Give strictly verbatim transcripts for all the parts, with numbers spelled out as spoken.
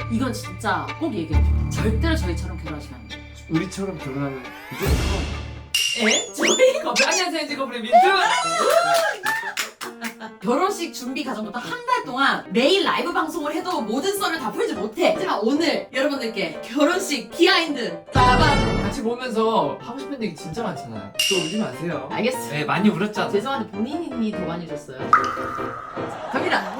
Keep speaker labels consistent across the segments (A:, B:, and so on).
A: 이건 진짜 꼭 얘기해줘. 절대로 저희처럼 결혼하시면 안 돼요.
B: 우리처럼 결혼하면 무조건
A: 에? 저희?
B: 커플 안녕하세요 엔지커플의 민트.
A: 결혼식 준비 과정부터 한 달 동안 매일 라이브 방송을 해도 모든 썰을 다 풀지 못해. 하지만 오늘 여러분들께 결혼식 비하인드 빠밤.
B: 같이 보면서 하고 싶은 얘기 진짜 많잖아요. 또 울지 마세요.
A: 알겠어요.
B: 네, 많이 울었잖아.
A: 죄송한데 본인이 더 많이 줬어요. 갑니다.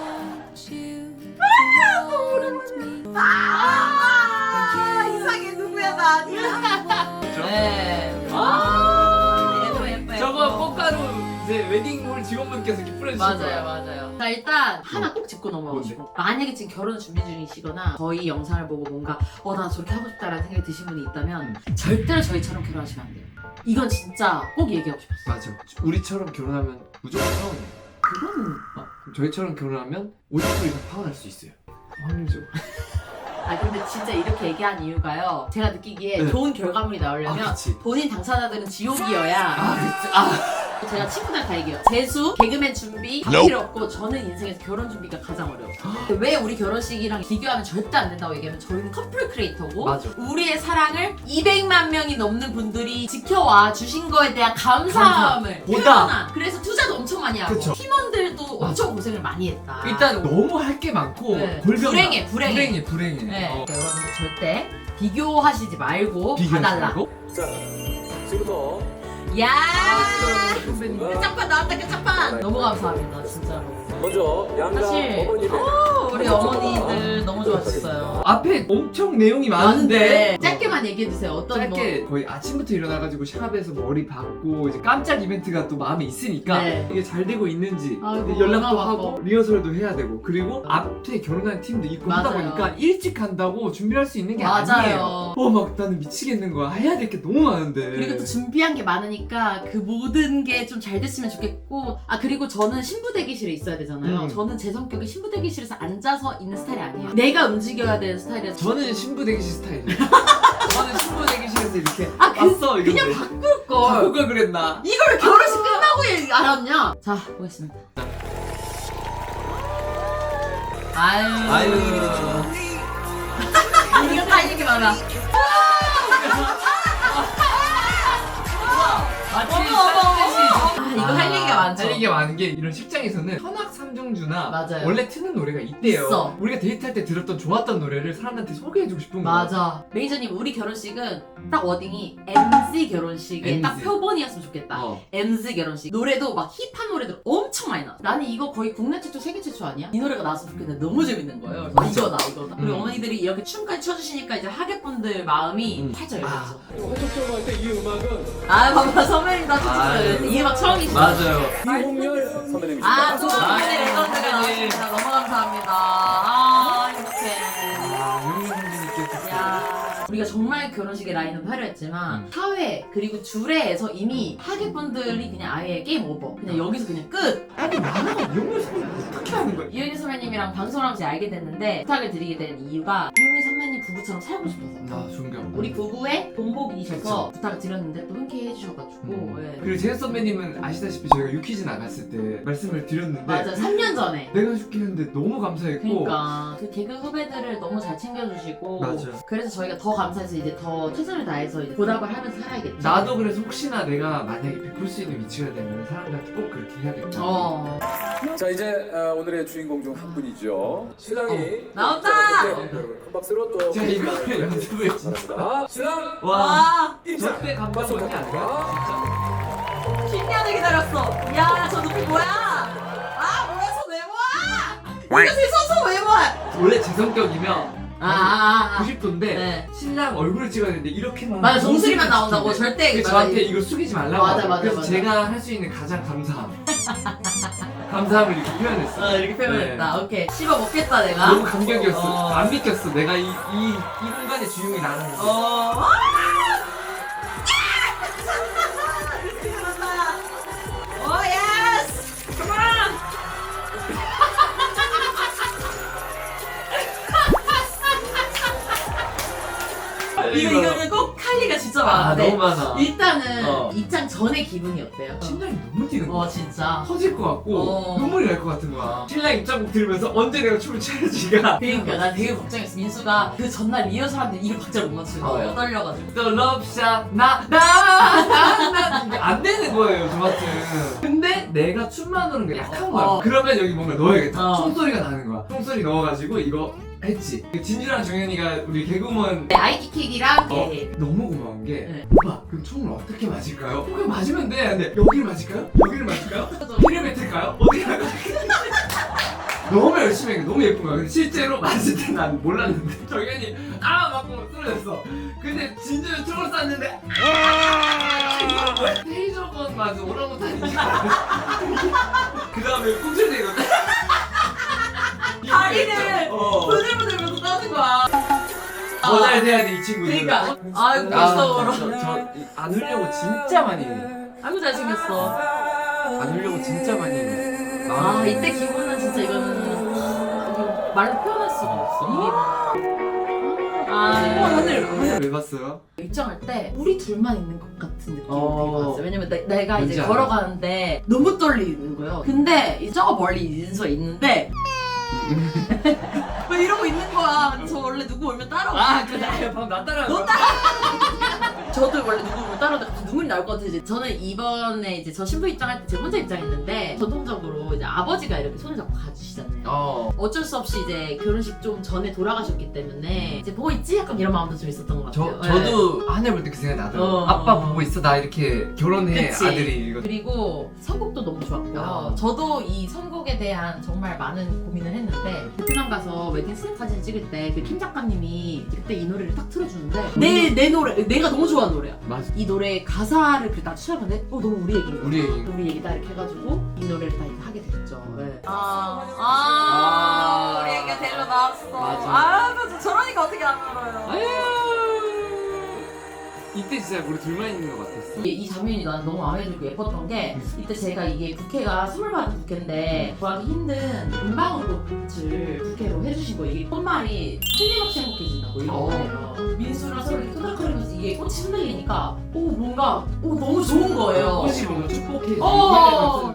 A: 아, 이상해. 누구야? 나 아니야. 네. 아, 예뻐 예뻐.
B: 저거 꽃가루 이제 웨딩홀 직원분께서 이렇게 뿌려주신
A: 맞아요,
B: 거예요.
A: 맞아요. 자, 일단 하나 꼭 짚고 넘어가고 싶어. 만약에 지금 결혼 준비 중이시거나 저희 영상을 보고 뭔가 어, 나 저렇게 하고 싶다라는 생각이 드신 분이 있다면 절대로 저희처럼 결혼하시면 안 돼요. 이건 진짜 꼭 얘기하고 싶었어.
B: 맞아. 우리처럼 결혼하면 무조건 파혼해요.
A: 그건
B: 어, 저희처럼 결혼하면 오십 퍼센트 이상 파혼할 수 있어요. 확률죠.
A: 아 근데 진짜 이렇게 얘기한 이유가요. 제가 느끼기에
B: 네.
A: 좋은 결과물이 나오려면
B: 아, 그치.
A: 본인 당사자들은 지옥이어야.
B: 아, 그치. 아.
A: 제가 친구들 다 얘기해요. 재수, 개그맨 준비 다 필요 없고 저는 인생에서 결혼 준비가 가장 어려워. 근데 왜 우리 결혼식이랑 비교하면 절대 안 된다고 얘기하면 저희는 커플 크리에이터고
B: 맞아.
A: 우리의 사랑을 이백만 명이 넘는 분들이 지켜와 주신 거에 대한 감사함을
B: 보다.
A: 표현한. 그래서 투자도 엄청 많이 하고
B: 그쵸.
A: 팀원들도
B: 맞아.
A: 엄청 고생을 많이 했다.
B: 일단 너무 할 게 많고
A: 네.
B: 골병
A: 불행해, 불행해.
B: 불행해 불행해.
A: 네.
B: 어.
A: 그러니까 여러분들 절대 비교하시지 말고
B: 비교하지
A: 봐달라.
B: 말고.
C: 자, 지금부터
A: 야
B: 아, 선배님.
A: 끝장판 나왔다 끝장판. 너무 감사합니다 진짜로.
C: 먼저 양가
A: 사실
C: 어머님의
A: 어, 우리 어머니들 너무 좋아하셨어요.
B: 앞에 엄청 내용이 많은데
A: 짧게만 얘기해주세요. 어떤
B: 짧게 거의 아침부터 일어나가지고 샵에서 머리 받고 이제 깜짝 이벤트가 또 마음에 있으니까
A: 네.
B: 이게 잘 되고 있는지
A: 아이고,
B: 연락도
A: 얼마나
B: 하고
A: 바빠.
B: 리허설도 해야 되고 그리고 앞에 결혼한 팀도 있고 하다
A: 맞아요.
B: 보니까 일찍 간다고 준비할 수 있는 게
A: 맞아요.
B: 아니에요. 어 막 나는 미치겠는 거야. 해야 될 게 너무 많은데.
A: 그리고 또 준비한 게 많으니까 그 모든 게 좀 잘 됐으면 좋겠고. 아 그리고 저는 신부 대기실에 있어야 되잖아요.
B: 음.
A: 저는 제 성격이 신부 대기실에서 앉아서 있는 스타일이 아니에요. 내가 움직여야 되는 스타일이라서.
B: 저는 신부 대기실 스타일이에요. 저는 신부 대기실에서 이렇게
A: 아, 그-
B: 왔어 이런데.
A: 그냥 바꿀 걸.
B: 바꾸가 그랬나?
A: 이걸 결혼식 끝나고 얘기 알았냐? 자 보겠습니다. 아유.
B: 아유.
A: 이거 다 이렇게 많아.
B: 마치
A: 어머, 어머, 어머.
B: 쌍둥이
A: 아, 이거 할 얘기가 많죠.
B: 할 얘기가 많은 게 이런 식장에서는 현악 삼중주나
A: 맞아요.
B: 원래 트는 노래가 있대요.
A: 있어.
B: 우리가 데이트할 때 들었던 좋았던 노래를 사람한테 소개해주고 싶은 거야.
A: 맞아. 매니저님 우리 결혼식은 딱 워딩이 엠지 결혼식의 딱
B: 엠지.
A: 표본이었으면 좋겠다.
B: 어.
A: 엠지 결혼식. 노래도 막 힙한 노래들 엄청 많이 나와. 나는 이거 거의 국내 최초, 세계 최초 아니야? 이 노래가 나왔으면 좋겠는데 너무 재밌는 거예요. 그래서
B: 맞아.
A: 이거다 이거다. 그리고
B: 음.
A: 어머니들이 이렇게 춤까지 춰주시니까 이제 하객분들 마음이
B: 음.
A: 활짝 열렸죠.
C: 활동적으로 할 때 이 음악은
A: 아 봐봐 선배님 다
B: 아유.
A: 춤추어요. 이 음악 처음이시죠?
B: 맞아요.
C: 이홍렬 선배님이십니다.
A: 아, 또
B: 아,
A: 선배님 레전드가
B: 선배님.
A: 나왔습니다. 너무 감사합니다. 아, 행복해.
B: 아, 용민 선생님께서.
A: 야, 우리가 정말 결혼식의 라인은 화려했지만
B: 음.
A: 사회 그리고 주례에서 이미 하객분들이 그냥 아예 게임 오버. 그냥 여기서 그냥 끝.
B: 아니 만화가 용민 선생님 어떻게 하는 거야?
A: 이효리 선배님이랑 방송을 하면서 알게 됐는데 부탁을 드리게 된 이유가 이효리 선배님 부부처럼 살고 싶어서.
B: 아 존경.
A: 우리 부부의 본보기이셔서
B: 그쵸.
A: 부탁을 드렸는데 또 흔쾌히 해주셔가지고
B: 음.
A: 예.
B: 그리고 재현 선배님은 아시다시피 저희가 유퀴즈 나갔을 때 말씀을 드렸는데
A: 맞아 삼 년 전에
B: 내가 해줄게 했는데 너무 감사했고
A: 그러니까 그 개그 후배들을 너무 잘 챙겨주시고
B: 맞아.
A: 그래서 저희가 더 감사해서 이제 더 최선을 다해서 이제 보답을 하면서 살아야겠죠.
B: 나도 그래서 혹시나 내가 만약에 베풀 수 있는 위치가 되면 사람들한테 꼭 그렇게 해야겠다.
A: 어
C: 자, 이제 어, 오늘의 주인공 중 한 분이죠. 신랑이
A: 어, 나온다!
C: 네, 여러분 큰 박수로 또
B: 자 이거 연습을 진짜.
C: 바랍니다. 신랑
B: 와.
A: 와
C: 입장.
B: 절대 감동하지 않아요?
A: 십 년을 기다렸어. 야 저 눈빛 뭐야? 아 뭐야 저 외모야? 이거 제 서서 외모야?
B: 진짜. 원래 제 성격이면
A: 아, 아, 아.
B: 구십 도인데
A: 네.
B: 신랑 얼굴을 찍어야 되는데 이렇게만
A: 맞아 정수리만
B: 정수리만
A: 나온다고
B: 찍히는데
A: 절대
B: 그래서
A: 맞아,
B: 저한테
A: 이-
B: 이거 숙이지 말라고
A: 맞아,
B: 하더라고요.
A: 맞아,
B: 그래서
A: 맞아.
B: 제가 할 수 있는 가장 감사함 감사함을 이렇게 표현했어.
A: 어 이렇게 표현했다. 오케이 씹어 먹겠다 내가.
B: 너무 감격이었어.
A: 어.
B: 안 믿겼어. 내가 이, 이, 이 공간의 주인공이 나는 거.
A: 어. 오 예스! 컴온! 이거 이거는 꼭 칼리가 진짜 진짜
B: 아
A: 많은데
B: 너무 많아.
A: 일단은
B: 어.
A: 입장 전의 기분이 어때요?
B: 심장이 너무 뛰는 거야.
A: 어 진짜.
B: 터질 것 같고
A: 어.
B: 눈물이 날 것 같은 거야. 신랑 입장곡 들으면서 언제 내가 춤을 춰야지가.
A: 그러니까 나 되게 걱정했어. 민수가 그 전날 리허설하는데 이걸 박자를 못 맞추는 거예요.
B: 어.
A: 떨려가지고.
B: 또 럽샷 나나나나 안 되는 거예요 저한테. 근데 내가 춤만 노는 게 약한 거야.
A: 어.
B: 그러면 여기 뭔가 넣어야겠다.
A: 어.
B: 총소리가 나는 거야. 총소리 넣어가지고 이거 했지. 진주랑 정현이가 우리 개그우먼
A: 네, 아이디킥이랑
B: 어,
A: 예.
B: 너무 고마운 게
A: 네.
B: 오빠 그럼 총을 어떻게 맞을까요? 그냥 맞으면 돼. 근데 여기를 맞을까요? 여기를 맞을까요? 길을 뱉을까요? 어디를 할까요? 너무 열심히 해. 너무 예쁜 거야. 근데 실제로 맞을 때 난 몰랐는데 정현이 아 맞고 쓰러졌어. 근데 진주는 총을 쐈는데 테이저건 맞아 오랑우탄이니까. 그 다음에 꿈틀대거든.
A: 다리를
B: 어.
A: 부들부들면서 떠는 거야.
B: 더 잘 돼야 돼 이 친구들.
A: 그러니까 아유 무서워라.
B: 저안 울려고 진짜 많이 해.
A: 아이고 잘생겼어.
B: 안 울려고 진짜 많이 해.
A: 아 이때 기분은 진짜 이거는 이거 말로 표현할 수가 없어.
B: 어,
A: 아
B: 하늘 하늘 왜 봤어요?
A: 입장할 때 우리 둘만 있는 것 같은 느낌이
B: 어.
A: 되게 많았어요. 왜냐면 내, 내가 이제
B: 뭔지 알아.
A: 걸어가는데 너무 떨리는 거예요. 근데 이 저 멀리 인수가 있는데 왜 이러고 있는 거야? 저 원래 누구 오면 따라오고.
B: 아 그래 방금 나 따라.
A: 너 따라. 저도 원래 누구 오면 따라오다가 갑자기 눈물이 나올 것 같아서 이제 저는 이번에 이제 저 신부 입장할 때 제가 혼자 입장했는데 전통적으로 이제 아버지가 이렇게 손을 잡고 가주시잖아요.
B: 어.
A: 어쩔 수 없이 이제 결혼식 좀 전에 돌아가셨기 때문에 이제 보고 있지? 약간 이런 마음도 좀 있었던 것
B: 저
A: 같아요.
B: 저도 하늘 볼 때 그 생각 나더라고.
A: 어.
B: 아빠 보고 있어 나 이렇게 결혼해
A: 그치.
B: 아들이 이거.
A: 그리고 선곡도 너무 좋았고요.
B: 아.
A: 저도 이 선곡에 대한 정말 많은 고민을 했는데 베트남 가서 웨딩 스냅 사진 찍을 때 그 킴 작가님이 그때 이 노래를 딱 틀어주는데 내, 내 노래, 내가 너무 좋아하는 노래야.
B: 맞아.
A: 이 노래 가사를 그딱 추적하는데 어 너무 우리 얘기인 거야.
B: 우리 얘기.
A: 우리 얘기다 이렇게 해가지고 이 노래를 다 이렇게 하게 됐죠. 네. 아, 아,
B: 아.
A: 우리 얘기가 데리러 나왔어.
B: 맞아.
A: 아, 나 저러니까 어떻게 안 알아요.
B: 아유. 이때 진짜 우리 둘만 있는 것 같았어.
A: 이, 이 장면이 나는 너무 마음에 들고 예뻤던 게 이때 제가 이게 부케가 선물 받은 부케인데 구하기 힘든 은방울꽃을 부케로 해주신 거예요. 이게 꽃말이 틀림없이 행복해진다고 이런
B: 어.
A: 거예요. 민수랑 서로 이렇게 토닥거리면서 이게 꽃이 흔들리니까 오 뭔가 오 너무 좋은 거예요.
B: 꽃이 뭔가 축복해.
A: 어.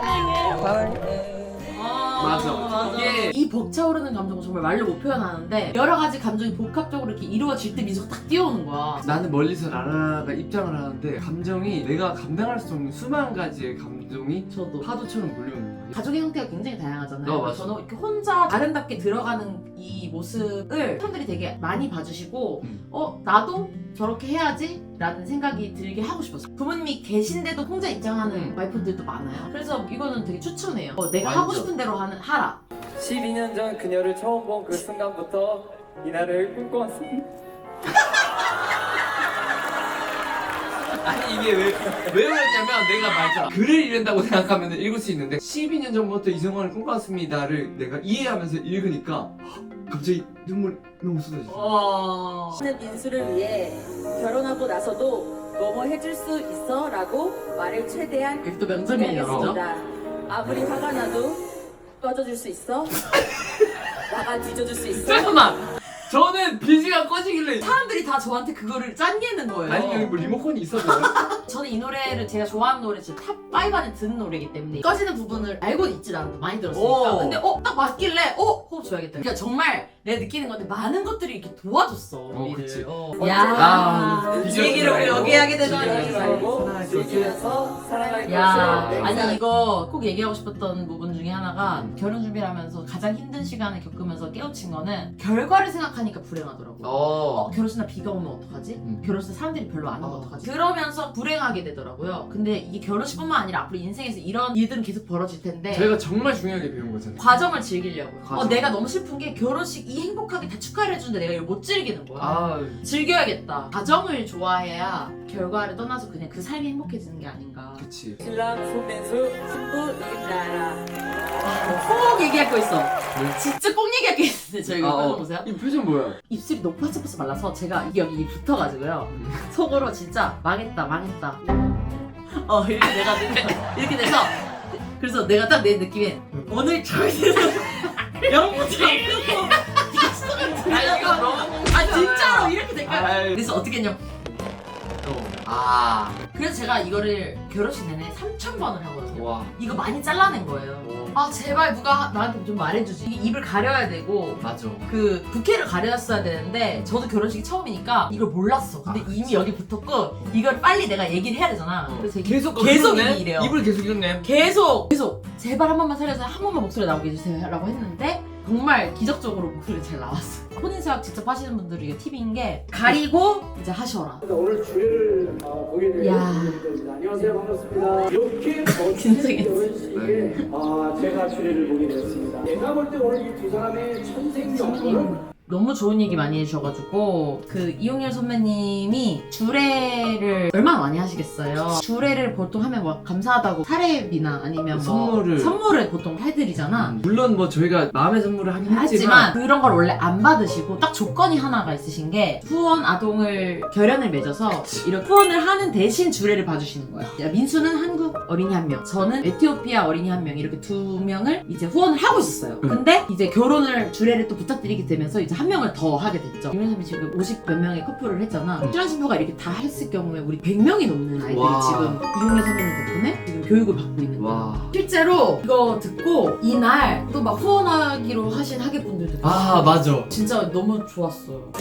B: 맞아.
A: 맞아.
B: 이게-
A: 이 벅차오르는 감정을 정말 말로 못 표현하는데 여러 가지 감정이 복합적으로 이렇게 이루어질 때 미소가 딱 뛰어오는 거야.
B: 나는 멀리서 라라가 입장을 하는데 감정이 내가 감당할 수 없는 수만 가지의 감정이
A: 저도
B: 파도처럼 몰려오는 거야.
A: 가족의 형태가 굉장히 다양하잖아요.
B: 어, 맞아.
A: 저는 이렇게 혼자 아름답게 들어가는 이 모습을 사람들이 되게 많이 봐주시고
B: 음.
A: 어 나도 저렇게 해야지 라는 생각이 들게 하고 싶었어요. 부모님이 계신데도 혼자 입장하는
B: 음.
A: 와이프들도 많아요. 그래서 이거는 되게 추천해요. 어, 내가
B: 완전.
A: 하고 싶은 대로 하는 하라.
D: 십이 년 전 그녀를 처음 본 그 순간부터 이날을 꿈꿔왔습니다.
B: 아니 이게 왜, 왜 그러냐면 내가 말했잖아. 글을 읽는다고 생각하면 읽을 수 있는데 십이 년 전부터 이성원을 꿈꿔왔습니다를 내가 이해하면서 읽으니까 갑자기 눈물 너무 쏟아졌어.
A: 어...
E: 는 민수를 위해 결혼하고 나서도 뭐뭐 해줄 수 있어? 라고 말을 최대한
A: 이게 또 명점이에요. 그죠?
E: 하겠습니다. 아무리 화가 나도 꺼져줄 수 있어? 나가 뒤져줄 수 있어?
B: 잠깐만! 저는 비지가 꺼지길래
A: 사람들이 다 저한테 그거를 짠게는 거예요.
B: 아니 여기 뭐 리모컨이 있었나요?
A: 저는 이 노래를 제가 좋아하는 노래 지금 탑 오 안에 드는 노래이기 때문에 꺼지는 부분을 알고는 있지 않아도 많이 들었으니까
B: 오.
A: 근데 어? 딱 맞길래 어? 호흡 줘야겠다. 그러니까 정말 내가 느끼는 건데 많은 것들이 이렇게 도와줬어 우리를.
B: 그치.
A: 어.
B: 아,
A: 야, 이 얘기를 우리 여기 하게 되다니.
E: 알고 즐기면서 살아갈
A: 야,
E: 것을
A: 아니
E: 맹세할
A: 이거 꼭 얘기하고 싶었던 부분 중에 하나가 결혼 준비를 하면서 가장 힘든 시간을 겪으면서 깨우친 거는 결과를 생각하니까 불행하더라고요. 어,
B: 어.
A: 결혼식 날 비가 오면 어떡하지?
B: 음.
A: 결혼식 때 사람들이 별로 안 오면
B: 어.
A: 어떡하지? 그러면서 불행하게 되더라고요. 근데 이게 결혼식뿐만 아니라 앞으로 인생에서 이런 일들은 계속 벌어질 텐데
B: 저희가 정말 중요하게 배운 거잖아요.
A: 과정을 즐기려고요. 어,
B: 과정.
A: 내가 너무 슬픈 게 결혼식 이 행복하게 다 축하를 해주는데 내가 이걸 못 즐기는 거야.
B: 아,
A: 즐겨야겠다. 과정을 좋아해야 결과를 떠나서 그냥 그 삶이 행복해지는 게 아닌가.
B: 그치.
E: 신랑 손민수 신부 이나라.
A: 꼭 얘기할 거 있어. 진짜 꼭 얘기할 게 있는데 저희 이거
B: 아,
A: 표정
B: 어.
A: 보세요.
B: 이 표정 뭐야?
A: 입술이 너무 파짝파짝 말라서 제가 이게 여기 붙어가지고요. 속으로 진짜 망했다 망했다. 어 이렇게 내가 이렇게 돼서 그래서 내가 딱 내 느낌에 오늘 저희는 영부터
B: 아 이거 너무
A: 아 진짜로 이렇게 될까?
B: 아이.
A: 그래서 어떻게 했냐
B: 아,
A: 그래서 제가 이거를 결혼식 내내 삼천 번을 하거든요.
B: 와.
A: 이거 많이 잘라낸 거예요. 아 제발 누가 나한테 좀 말해주지. 이게 입을 가려야 되고
B: 맞아.
A: 그 부케를 가려놨어야 되는데 저도 결혼식이 처음이니까 이걸 몰랐어. 근데
B: 아,
A: 이미 여기 붙었고 이걸 빨리 내가 얘기를 해야 되잖아.
B: 어.
A: 그래서 이게
B: 계속
A: 계속
B: 그러네?
A: 입이 이래요.
B: 입을 계속 이었네.
A: 계속 계속 제발 한 번만 살려서 한 번만 목소리 나오게 해주세요라고 했는데 정말 기적적으로 목소리 잘 나왔어. 혼인수학 직접 하시는 분들이 이게 팁인 게 가리고 이제 하셔라.
F: 오늘 주례를 어, 보게 될
A: 야.
F: 분입니다. 안녕하세요, 반갑습니다. 이렇게 멋진
A: 긴장했어.
F: 결혼식에 아, 제가 주례를 보게 되었습니다. 내가 볼 때 오늘 이 두 사람의 천생연분은
A: 너무 좋은 얘기 많이 해주셔가지고 그 이용열 선배님이 주례를 얼마나 많이 하시겠어요. 주례를 보통 하면 뭐 감사하다고 사례비나 아니면 뭐
B: 선물을.
A: 선물을 보통 해드리잖아.
B: 물론 뭐 저희가 마음의 선물을 하긴
A: 하지만
B: 했지만
A: 그런 걸 원래 안 받으시고 딱 조건이 하나가 있으신 게 후원 아동을 결연을 맺어서 이런 후원을 하는 대신 주례를 봐주시는 거예요. 민수는 한국 어린이 한 명, 저는 에티오피아 어린이 한 명 이렇게 두 명을 이제 후원을 하고 있었어요.
B: 음.
A: 근데 이제 결혼을 주례를 또 부탁드리게 되면서 이제 한 명을 더 하게 됐죠. 이용현 선배 지금 오십 몇 명의 커플을 했잖아.
B: 음.
A: 출연 신부가 이렇게 다 했을 경우에 우리 백 명이 넘는 아이들이
B: 와.
A: 지금 이용현 선배님 덕분에 지금 교육을 받고 있는 거예요.
B: 와.
A: 실제로 이거 듣고 이날 또 막 후원하기로 하신 하객분들도
B: 아, 맞아.
A: 진짜 너무 좋았어요.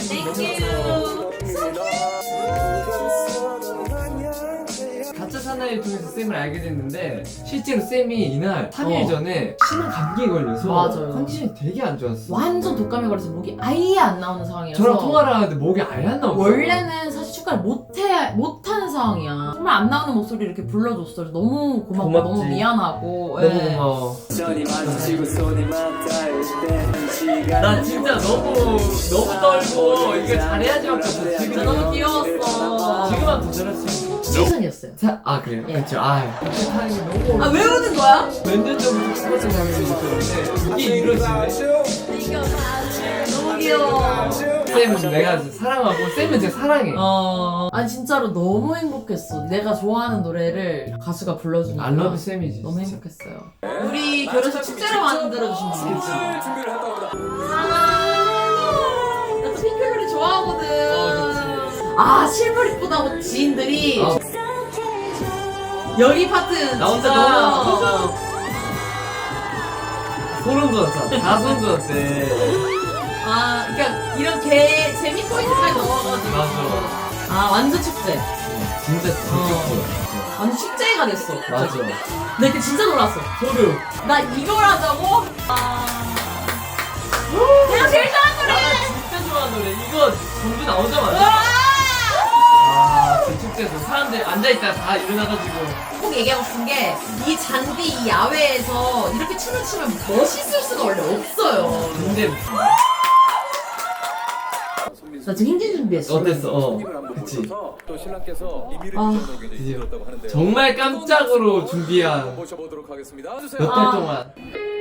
B: 가짜 사나이를 통해서 쌤을 알게 됐는데 실제로 쌤이 이날 삼 일
A: 어.
B: 전에 심한 감기에 걸려서
A: 맞아요.
B: 컨디션이 되게 안 좋았어.
A: 완전 독감에 걸려서 목이 아예 안 나오는 상황이라서
B: 저랑 통화를 하는데 목이 아예 안 나오고
A: 원래는 사실 축가를 못해 못하는 상황이야. 정말 안 나오는 목소리 이렇게 불러줬어. 그래서 너무 고맙고
B: 고맙지.
A: 너무 미안하고.
B: 너무
A: 예.
B: 고마워.
D: 손이 마주치고 손이 맞닿을 때 시간
B: 나 진짜 너무 너무 떨고 이거 잘해야지밖에 없어. 지금
A: 진짜 너무 귀여웠어.
B: 지금은 더 잘할 수 있어.
A: 시선이었어요.
B: 자, 아 그래요?
A: 예.
B: 그렇죠. 아, 하는 게 너무
A: 아 왜 우는 거야?
B: 몇 년 전부터 스포츠 장면이 있었는데 이게 이루어지네.
A: 너무 귀여워.
B: 쌤은 내가 진짜 사랑하고 쌤은 제가 사랑해.
A: 어. 아니 진짜로 너무 행복했어. 내가 좋아하는 노래를 가수가 불러주니까.
B: 알러브 쌤이지.
A: 너무
B: 진짜.
A: 행복했어요. 우리 결혼식 축제로 만들어주신 분이지.
C: 준비를 했다고 합니다.
A: 아, 나또 핑크별이 좋아하거든.
B: 어,
A: 아, 실물 이쁘다고 지인들이.
B: 어.
A: 여기 파트
B: 나 혼자
A: 진짜
B: 너무
A: 너무.
B: 소름 돋았어. 다 소름 돋았대.
A: 아, 그러니까 이런 개 재미 포인트까지 넣어가지고.
B: 맞아.
A: 아, 완전 축제.
B: 진짜 재밌었어.
A: 완전 축제가 됐어.
B: 맞아.
A: 나 그때 진짜 놀랐어.
B: 소름.
A: 나 이걸 하자고? 아. 내가 제일 좋아하는 노래!
B: 나 진짜 좋아하는 노래. 이거 전부 나오자마자. 아, 그 축제에서 사람들 앉아있다가 다 일어나가지고.
A: 꼭 얘기하고 싶은 게 이 잔디 이 야외에서 이렇게 춤을 추면 멋있을 수가 원래 없어요.
B: 근데
A: 나 지금 힘든 준비했어.
B: 어땠어? 어.
C: 손님을 한번
B: 그치.
C: 모셔서 또 신랑께서 비밀을
A: 아.
C: 주셨다고 굉장히
B: 드디어.
C: 힘들었다고 하는데요.
B: 정말 깜짝으로 준비한
C: 모셔보도록 하겠습니다.
B: 몇
C: 주세요.
B: 달
A: 아.
B: 동안.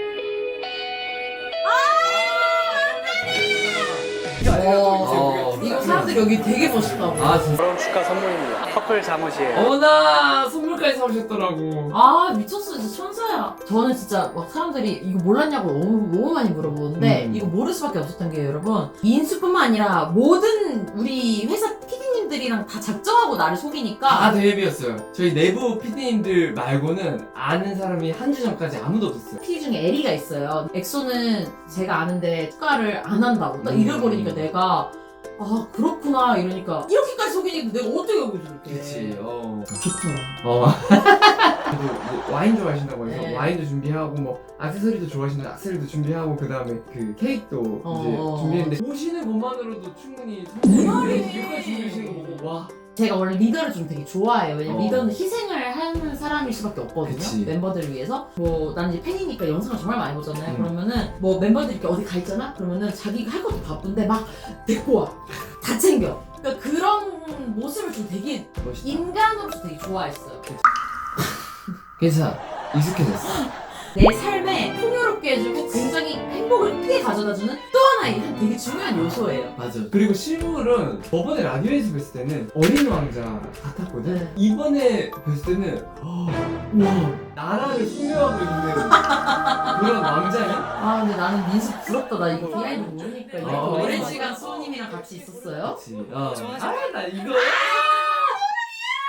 A: 어, 이거 사람들이 여기 되게 멋있다고.
B: 아, 진짜.
F: 결혼 축하 선물입니다. 커플 잠옷이에요.
B: 어머나, 선물까지 사오셨더라고.
A: 아 미쳤어 진짜 천사야. 저는 진짜 막 사람들이 이거 몰랐냐고 너무 너무 많이 물어보는데
B: 음.
A: 이거 모를 수밖에 없었던 게 여러분 인수뿐만 아니라 모든 우리 회사 피디님들이랑 다 작정하고 나를 속이니까
B: 다 대회비였어요. 저희 내부 피디님들 말고는 아는 사람이 한 주 전까지 아무도 없었어요.
A: 피디 중에 에리가 있어요. 엑소는 제가 아는데 축가를 안 한다고 딱
B: 음.
A: 잃어버리니까 내가 아 그렇구나 이러니까 이렇게까지 속이니까 내가 어떻게 여기서 이렇게
B: 그치, 어.
A: 좋더라.
B: 어. 저도 뭐 와인 좋아하신다고 해서
A: 네.
B: 와인도 준비하고 뭐 액세서리도 좋아하시는데 액세서리도 준비하고 그 다음에 그 케이크도
A: 어.
B: 이제 준비했는데 오시는 것만으로도 충분히
A: 내 말이.
B: 이렇게 준비하시는 거 보고 와.
A: 제가 원래 리더를 좀 되게 좋아해요. 왜냐면
B: 어.
A: 리더는 희생을 하는 사람일 수밖에 없거든요.
B: 그치.
A: 멤버들을 위해서. 뭐 나는 이제 팬이니까 영상을 정말 많이 보잖아요.
B: 음.
A: 그러면은 뭐 멤버들이 이렇게 어디 가 있잖아? 그러면은 자기가 할 것도 바쁜데 막 데리고 와. 다 챙겨. 그러니까 그런 모습을 좀 되게
B: 멋있다.
A: 인간으로서 되게 좋아했어요.
B: 괜찮아. 익숙해졌어.
A: 내 삶에 풍요롭게 해주고 굉장히 행복을 크게 가져다주는 또 하나의 한 되게 중요한 요소예요.
B: 맞아. 그리고 실물은 저번에 라디오에서 뵀을 때는 어린 왕자 같았거든.
A: 네.
B: 이번에 뵀을 때는 와 나라를 소유하고 있는 그런 왕자냐?
A: 아 근데 나는 민수 부럽다. 나 이거 비하인드 모르니까 이렇게
B: 어.
A: 오랜 시간 수호님이랑 같이 있었어요.
B: 그치. 어. 아나 이거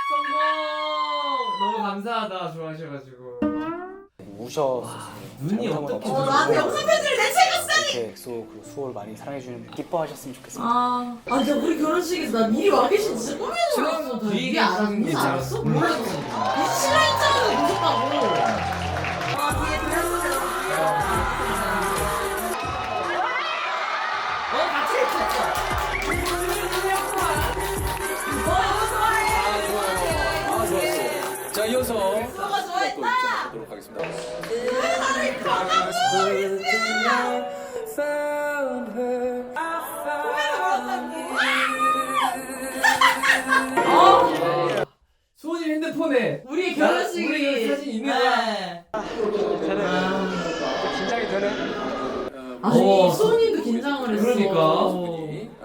B: 감사하다 좋아하셔가지고.
G: 우셔
B: 눈이 어떻게
A: 어, 나한테 영상 편지를 내채겼어.
G: 이렇게 엑소 그리고 수호를 많이 사랑해주는 기뻐하셨으면 좋겠습니다.
A: 아, 아, 진짜 우리 결혼식에서 나 미리 와 계신 진짜 꿈에도 몰랐어. 너
B: 뒤에
A: 이게 알았어?
B: 계시는 게
A: 무슨
B: 있잖아.
A: 알았어? 몰랐어. 이 실화인장을 보셨다고. 아, 뒤에 들렸어요. 어, 같이 했었어.
C: 아, 좋았어. 자, 이어서
A: 너가 좋아했다.
C: 보도록 하겠습니다.
B: 수호님 핸드폰에
A: 우리 결혼식이
B: 우리 사진 있는 거야.
A: 네.
G: 긴장이 되네.
A: 아니,
B: 어.
A: 수호님도 긴장을 했어.
B: 그러니까.
A: 어,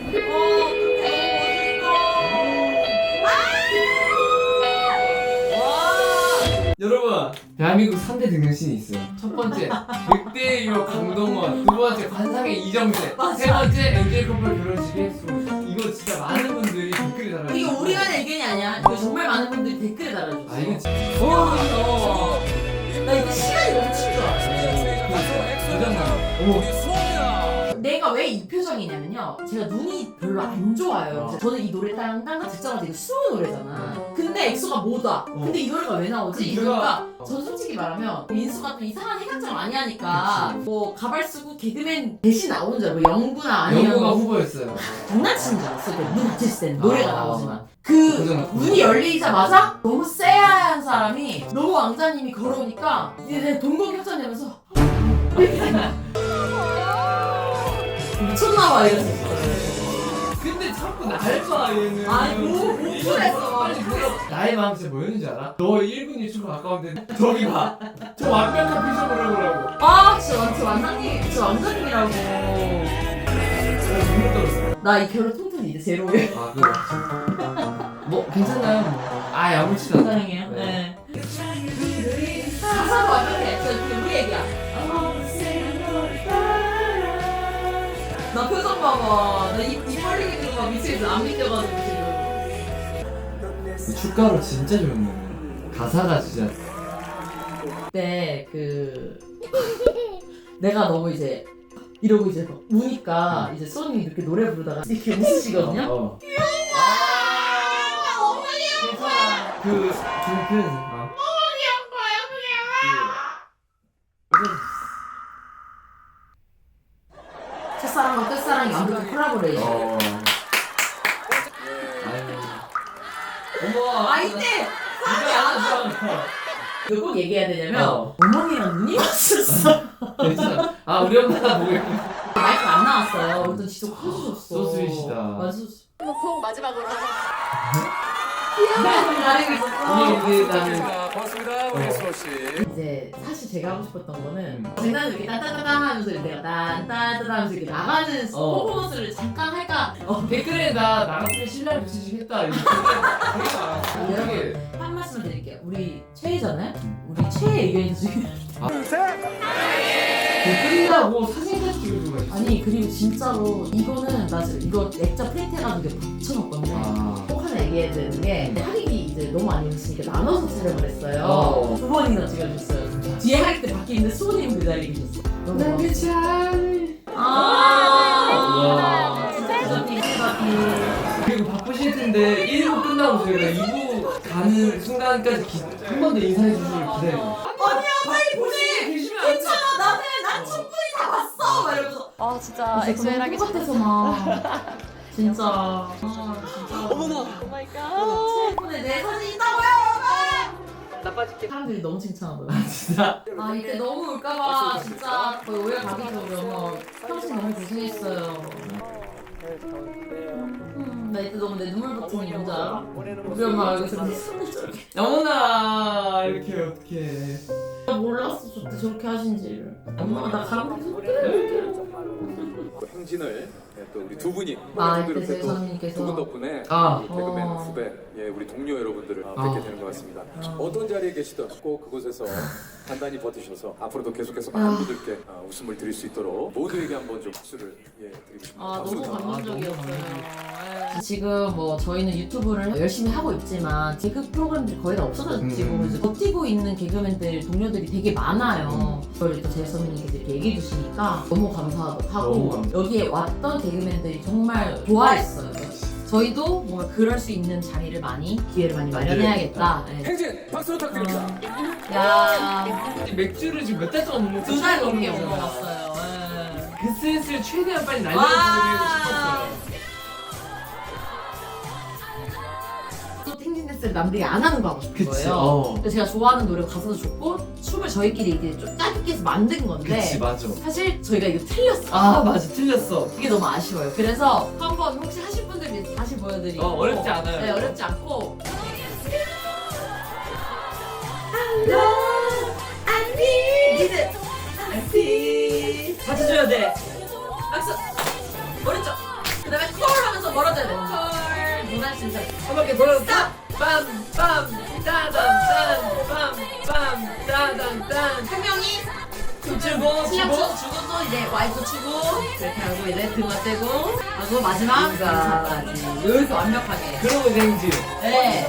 B: 여러분 대한민국 삼 대 등장신이 있어요. 첫 번째 늑대의 강동원, 두 번째 관상의 이정재, 세 번째 엔젤 커플 결혼식의 수호. 이거 진짜 많은 분들이 댓글에 달아주세요.
A: 이거 우리가 낼 의견이 아니야. 이거 정말 많은 분들이 댓글에 달아줬어.
B: 아 이거 진짜
A: 어, 나 이거 시간이 넘친 줄 알았어.
B: 도전감. 어머.
A: 내가 왜 이 표정이냐면요. 제가 눈이 별로 안 좋아요.
B: 어.
A: 저는 이 노래 땅땅땅 듣자마자 이거 수호 노래잖아. 근데 엑소가 못 와. 근데 이 노래가 왜 나오지?
B: 그
A: 이러니까
B: 이유가-
A: 전 솔직히 말하면 민수가 또 이상한 해각장 많이 하니까 뭐 가발 쓰고 개그맨 대신 나오는 줄 알고 영구나 아니면
B: 영구가
A: 뭐
B: 후보였어요.
A: 장난치는 줄 알았어. 그문 닫혔을 때는 노래가
B: 아.
A: 나오지만 그
B: 고정.
A: 문이 열리자마자 너무 쎄한 사람이 너무 왕자님이 걸어오니까 이제 내 동공 협찬되면서 미쳤나봐 이랬었어.
B: 근데 자꾸 날 봐 얘는.
A: 아니 뭐 못했어.
B: 빨리 물어. 나의 마음 진짜 뭐였는지 알아? 너 일 분 일 초가 가까운데 저기 봐. 저 완벽한 표정을 해보라고.
A: 아 진짜 완- 저 왕자님 진짜 왕자님이라고.
B: 눈물 떨었어.
A: 나 이 결혼 통틀이 이제 제로예요.
B: 아 그거. 뭐 괜찮아요. 뭐. 아 아무렇지도 않아.
A: 사랑해요. 네. 가사가 완벽해. 저 그냥 우리 얘기야. 나 표정 봐봐. 나입 입 벌리게 되고 막 미치겠어. 안 믿겨가지고 지금.
B: 축가로 진짜 좋네. 가사가 진짜.
A: 그때 그 내가 너무 이제 이러고 이제 막 우니까 이제 소니 이렇게 노래 부르다가 이렇게 웃으시거든요.
B: 어.
A: 아,
B: 괜찮아. 그, 그, 그, 어.
A: 첫사랑과 끝사랑이 완벽한 콜라보레이션.
B: 어. 아유. 어머.
A: 아 이때 사랑이 안 와. 이거 꼭 얘기해야 되냐면
B: 어.
A: 어머니랑 눈이 맞췄어.
B: 괜찮아. 아 우리 엄마가 보고 있고.
A: 마이크 안 나왔어요. 그래서 진짜 커주셨어.
B: 소스윗이다.
A: 맞아.
E: 꼭 마지막으로
A: 귀여워. 가리고 있었어.
B: 이게 나는
C: 자, 고맙습니다. 우리
B: 어.
C: 수호 씨.
A: 이제 사실 제가 하고 싶었던 거는
B: 음.
A: 장난을 이렇게 딴딴딴딴 하면서 내가 딴딴딴딴 하면서 이렇게 나가는
B: 어.
A: 퍼포먼스를 잠깐 할까. 어,
B: 댓글에 나 나같으면 신랑 붙이시겠다. 이렇게 되게 많아.
A: 여러분 한 말씀을 드릴게요. 우리 최애잖아요. 우리 최애 의견이 중에
B: 끝나고 사진까지 찍어주고 있어.
A: 아니 그리고 진짜로 이거는 나 지금 이거 액자 프린트 해가지고 이렇게 붙여놨거든요.
B: 아.
A: 꼭 하나 얘기해야 되는 게 할인이 이제 너무 많이 오시니까 나눠서 촬영을 했어요.
B: 어.
A: 두 번이나 찍어줬어요. 뒤에 할 때 밖에 있는데 수호님 그 자리에 계셨어. 너무
B: 난
A: 고마웠어요.
B: 괜찮.
A: 아 진짜 부자티 부자티.
B: 그리고 바쁘실 텐데 일 부 끝나고 저희가 이 부 가는 순간까지 한 번 더 인사해 주시길 기다려요.
A: 아니야 빨리 보내. 괜찮아 나는 난 충분히 다 봤어. 막 이러면서
E: 아 진짜 엑소엘 하기
A: 똑같아서 막 진짜 아 진짜 어머나
E: 오마이갓
A: 최근에 내 사진 있다고요 여러분. 나빠질게. 사람들이 너무 칭찬하더라고.
B: 진짜.
A: 아 이때 너무 울까봐 진짜 거의 오해 가기 전에 엄마 평생 너무 고생했어요. 음, 나 이때 너무 내 눈물 버튼이 뭔지 알아? 우리 엄마 여기서 내 손을 저렇게
B: 어머나 이렇게 어떡해.
A: 몰랐어 저때 저렇게 하신지를. 엄마가 나 가랑비 손
C: 또 행진을 예, 또 우리 두 분이
A: 아,
C: 또
A: 이때
C: 이렇게 또
A: 세상님께서.
C: 두 분 덕분에
B: 아.
C: 이 개그맨
A: 어.
C: 후배, 예, 우리 동료 여러분들을 아,
B: 아.
C: 뵙게 되는 것 같습니다.
A: 어.
C: 어떤 자리에 계시든 꼭 그곳에서 단단히 버티셔서 앞으로도 계속해서 많은
A: 아.
C: 분들께 아, 웃음을 드릴 수 있도록 모두에게 한번 좀 박수를 예, 드리고 싶습니다.
A: 아
C: 박수
A: 너무
C: 부탁드립니다.
A: 감동적이었어요. 예. 지금 뭐 저희는 유튜브를 열심히 하고 있지만 개그 프로그램들이 거의 다 없어졌고
B: 음.
A: 그래서 버티고 있는 개그맨들 동료들이 되게 많아요. 저를 또 제일 선배님께서 이렇게 얘기해 주시니까 너무 감사하고
B: 너무 감사하고.
A: 여기에 왔던 개그맨들이 정말 좋아했어요. 저희도 뭔가 그럴 수 있는 자리를 많이 기회를 많이 마련해야겠다. 네.
C: 행진 박수 부탁드립니다.
A: 야,
B: 맥주를 지금 몇 달 동안 먹는
A: 두 달 넘게 못 먹었어요. 네.
B: 그 센스를 최대한 빨리
A: 와.
B: 날려드리고 싶었어요.
A: 또 탱진 댄스를 남들이 안 하는 거 하고 싶은
B: 그치,
A: 거예요.
B: 어.
A: 그래서 제가 좋아하는 노래 가사도 좋고 춤을 저희끼리 이렇게 좀 짜깁기 해서 만든 건데
B: 그치, 맞아.
A: 사실 저희가 이거 틀렸어.
B: 아, 맞아. 틀렸어.
A: 이게 너무 아쉬워요. 그래서 한번 혹시 하실 분들 위해서 다시 보여드리고
B: 어, 어렵지 않아요.
A: 네, 어렵지 않고 같이 줘야 돼. 박수. 오른쪽. 그 다음에 콜 하면서 멀어져야 돼. 콜. 누나 진짜.
B: 한 바퀴 돌아서 빰! 빰! 따단! 딴! 빰! 빰! 따단! 딴!
A: 한 명이
B: 춤추고
A: 실력
B: 추고
A: 추, 주고 또 이제 와이프 추고 이렇게 하고 이제 등어 떼고 하고 마지막 인사까지 이렇게 완벽하게.
B: 그러고 생지.
A: 네.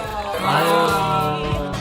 B: 아유.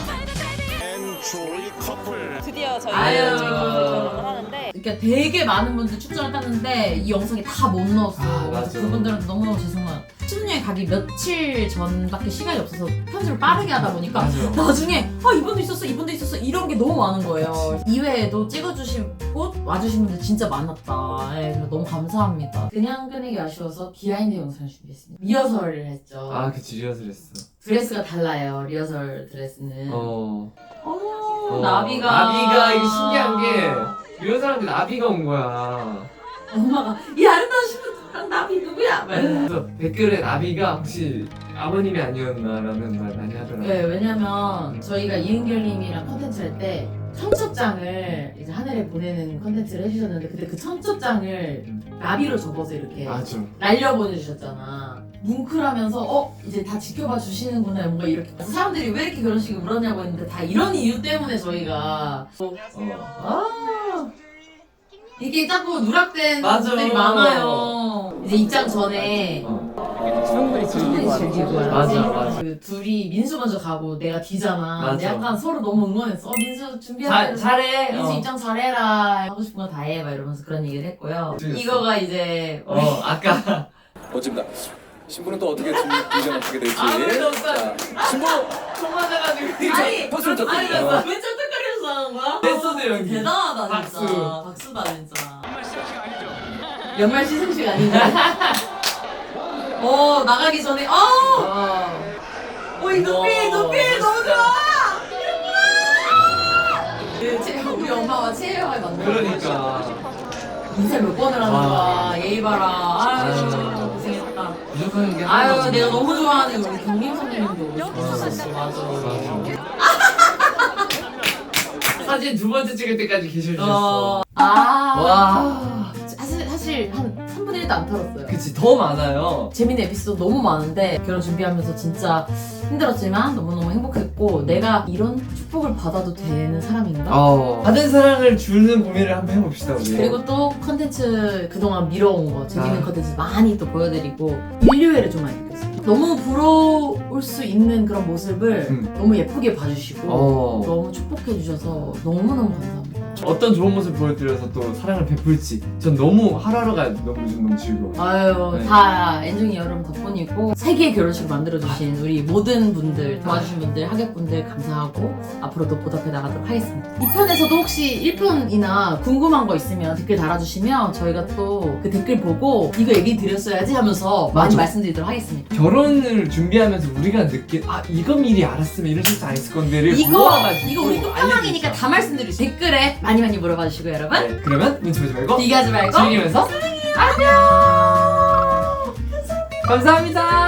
E: 드디어 저희
A: 아유.
E: 결혼을 하는데
A: 그러니까 되게 많은 분들 출전을 땄는데 이 영상에 다 못 넣었어요.
B: 아,
A: 그래서
B: 맞아.
A: 그분들한테 너무너무 죄송해요. 신혼여행 가기 며칠 전밖에 시간이 없어서 편집을 빠르게 하다 보니까
B: 맞아.
A: 나중에 아 이분도 있었어 이분도 있었어 이런 게 너무 많은 거예요. 이외에도 찍어주시고 와주신 분들 진짜 많았다. 네, 그래서 너무 감사합니다. 그냥 끄내기 아쉬워서 비하인드 영상을 준비했습니다. 리허설을 했죠.
B: 아, 그치. 리허설 했어.
A: 드레스가 달라요. 리허설 드레스는.
B: 어.
A: 어머
B: 어.
A: 나비가
B: 나비가 이게 신기한 게 리허설하는데 나비가 온 거야.
A: 엄마가 이 아름다우신 분랑 나비 누구야? 막 이러면서.
B: 그래서 댓글에 나비가 혹시 아버님이 아니었나라는 말 많이 하더라고요.
A: 네, 왜냐면 저희가 이은결님이랑 컨텐츠 할 때 청첩장을 이제 하늘에 보내는 컨텐츠를 해주셨는데 그때 그 청첩장을 나비로 접어서 이렇게
B: 맞아.
A: 날려 보내주셨잖아. 뭉클하면서 어 이제 다 지켜봐 주시는구나 뭔가 이렇게 그래서 사람들이 왜 이렇게 결혼식을 울었냐고 했는데 다 이런 이유 때문에 저희가
B: 어.
A: 아 이게 자꾸 누락된
B: 맞아.
A: 분들이 많아요. 이제 입장 전에
B: 어.
G: 충분히 즐기고
A: 충분히 즐기고
G: 하는
B: 맞아,
A: 하지.
B: 맞아.
A: 그 둘이 민수 먼저 가고 내가 뒤잖아.
B: 맞아.
A: 근데 약간 서로 너무 응원했어. 어, 민수
B: 잘,
A: 준비하자.
B: 잘해.
A: 민수
B: 어.
A: 입장 잘해라. 하고 싶은 거 다 해. 막 이러면서 그런 얘기를 했고요.
B: 재밌었어.
A: 이거가 이제
B: 어, 아까.
C: 멋집니다. 신부는 또 어떻게 준비 어떻게 될지.
B: 아무래도 없다.
C: 자, 신부
B: 총 맞아가지고.
A: 아니
C: 박수
A: 아니
C: 부탁드립니다.
A: 나 왜 쩔뚝거리면서 하는 거야?
B: 댄서들 연기.
A: 대단하다 진짜.
B: 박수.
A: 박수다 진짜. 연말 시상식 아닌가? 어 나가기 전에 어.
B: 어.
A: 오이 눈빛
B: 어,
A: 눈빛 너무
B: 멋있다.
A: 좋아. 그 제- 우리 엄마와 최애와의 만남.
B: 그러니까.
A: 인사 몇 번을 하는
B: 아.
A: 거야. 예의 봐라. 아유
B: 아유.
A: 고생했다.
B: 부족한 게
A: 아유
B: 하나도
A: 내가
B: 없네.
A: 너무 좋아하는 우리 경림 선배님도 오셨었어. 맞아.
B: 사진 두 번째 찍을 때까지 계셔주셨어.
A: 어. 아.
B: 와.
A: 사실 사실 한 삼분의 일도 안 털었어요.
B: 그치, 더 많아요.
A: 재밌는 에피소드 너무 많은데 결혼 준비하면서 진짜 힘들었지만 너무너무 행복했고 내가 이런 축복을 받아도 되는 사람인가?
B: 어. 받은 사랑을 주는 고민을 한번 해봅시다, 우리.
A: 그리고 또 컨텐츠 그동안 미뤄온 거 재밌는
B: 아.
A: 컨텐츠 많이 또 보여드리고 인류애를 좀 많이 느꼈어요. 너무 부러울 수 있는 그런 모습을
B: 음.
A: 너무 예쁘게 봐주시고
B: 어.
A: 너무 축복해주셔서 너무너무 감사합니다.
B: 어떤 좋은 모습 보여드려서 또 사랑을 베풀지. 전 너무 하루하루가 너무 요즘 너무 즐거워.
A: 아유
B: 네.
A: 다 앤중이 여러분 덕분이고 세계의 결혼식을 만들어주신 우리 모든 분들 도와주신 분들 하객분들 감사하고 앞으로도 보답해 나가도록 하겠습니다. 이 편에서도 혹시 일 편이나 궁금한 거 있으면 댓글 달아주시면 저희가 또 그 댓글 보고 이거 얘기 드렸어야지 하면서 많이
B: 맞아.
A: 말씀드리도록 하겠습니다.
B: 결혼을 준비하면서 우리가 느낀 아 이거 미리 알았으면 이런 실수 안 했을 건데를
A: 이거
B: 모아가지고
A: 이거 우리 끝판왕이니까 다 말씀드리죠. 댓글에 많이 많이 물어봐 주시고 여러분
B: 네, 그러면 눈치 보지 말고
A: 비교하지 말고
B: 즐기면서
A: 안녕.
B: 감사합니다.